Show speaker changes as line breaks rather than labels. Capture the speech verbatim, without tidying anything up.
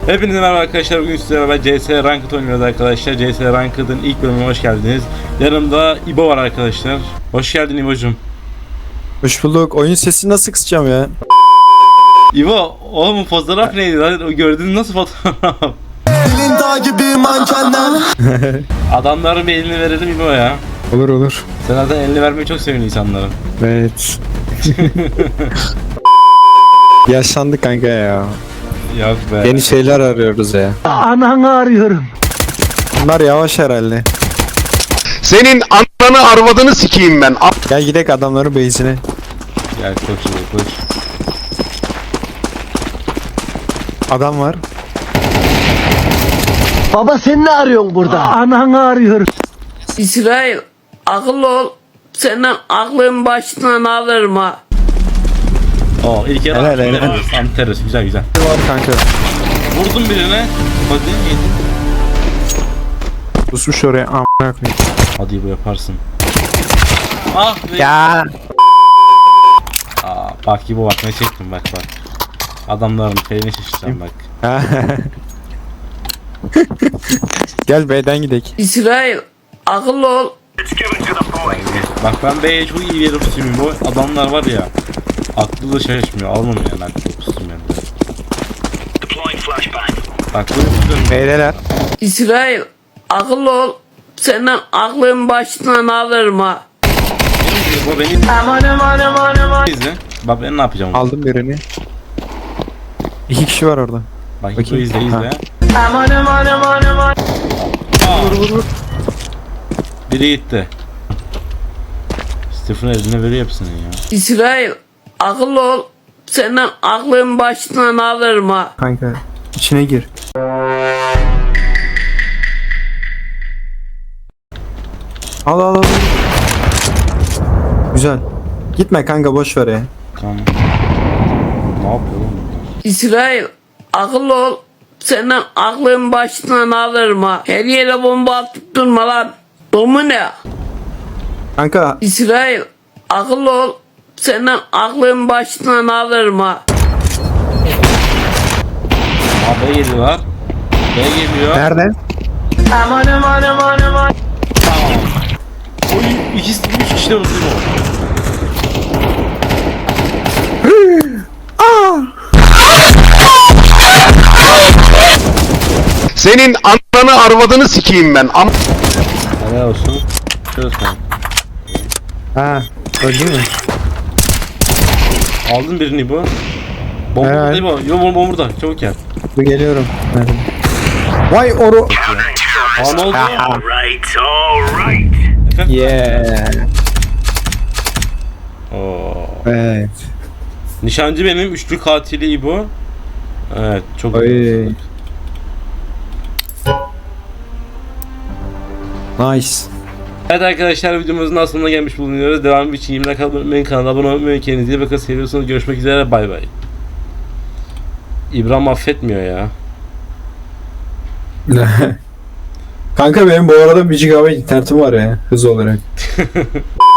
Hepinize merhaba arkadaşlar, bugün sizlerle beraber C S Ranked oynuyoruz arkadaşlar. C S Ranked'ın ilk bölümüne hoş geldiniz. Yanımda İbo var arkadaşlar. Hoş geldin İbo'cum.
Hoş bulduk. Oyun sesini nasıl kısacağım ya?
İbo, oğlum fotoğraf neydi lan? O gördüğün nasıl fotoğraf?
Elin dağ gibi mankenler.
Adamların bir elini verelim İbo ya.
Olur olur.
Sen zaten elini vermeyi çok seviyorsun insanların.
Evet. Yaşlandık kanka ya.
Yok be.
Yeni şeyler arıyoruz ya.
Ananı arıyorum.
Bunlar yavaş herhalde.
Senin ananı arvadını sikeyim ben.
Gel gidek adamların base'ine.
Gel koş İbo, koş.
Adam var.
Baba sen ne arıyorsun burada? Ananı arıyorum.
İsrail, akıllı ol. Senden aklın başından alırım ha.
Oo, ilk yarı
Helal, helal.
Anterös, güzel güzel.
Var kanka.
Vurdum birine. Hadi yedin.
Pusmuş oraya. Amına koyayım.
Hadi İbo yaparsın. Ah be.
Ya.
Aa, bak İbo bak ne çektim bak bak. Adamların felini şişeceğim bak.
Gel B'den gidek.
İsrail, akıllı ol.
Bak ben B'ye çok iyi bir yere pusayım bu. Adamlar var ya. Aklı da şaşmıyor. Almam yani aklı pusayım yani. Bak böyle pusuyorum.
B'deler.
İsrail, akıllı ol. Senden aklın başından alırım ha.
Bu beni izle. Bak ben ne yapacağım.
Aldım birini. İki kişi var orada.
Bak bu
Bakayım.
izle izle.
Ha.
Vur vur vur. Biri gitti. Stephen eline veriyor hepsini ya.
İsrail, akıllı ol. Senden aklın başından alırım ha.
Kanka içine gir. Al al al. Güzel. Gitme kanka boş ver ya.
Tamam. Ne yapıyor oğlum?
İsrail, akıllı ol. Senden aklın başından alırım ha. Her yere bomba atıp durma lan. Domu ne?
Kanka
İsrail, akıllı ol. Senden aklın başından alırım ha.
Aa B geliyorlar. B geliyor.
nerede?
Tamam. Oy ikisi üç kişi de vurdu bu.
Senin ananı arvadını sikeyim ben. Am
Helal olsun. Çöz sen.
Ha, öldü mü?
Aldın birini bu. Bomba
Evet.
değil bu. Yo bomba bomba burada. Çabuk gel.
Dur geliyorum. Nerede? Vay oru.
Aa ne oldu?
Yeah.
Oo.
Evet.
Nişancı benim, üçlü katili İbo. Evet, çok
Oy.
iyi.
Nice.
Evet arkadaşlar, videomuzun da sonuna gelmiş bulunuyoruz. Devamı için yirmi dakika abone kanala abone olmayı, kendinize iyi bakın, seviyorsanız görüşmek üzere, bay bay. İbrahim affetmiyor ya.
Kanka benim bu arada bir gigabayt internetim var ya hız olarak.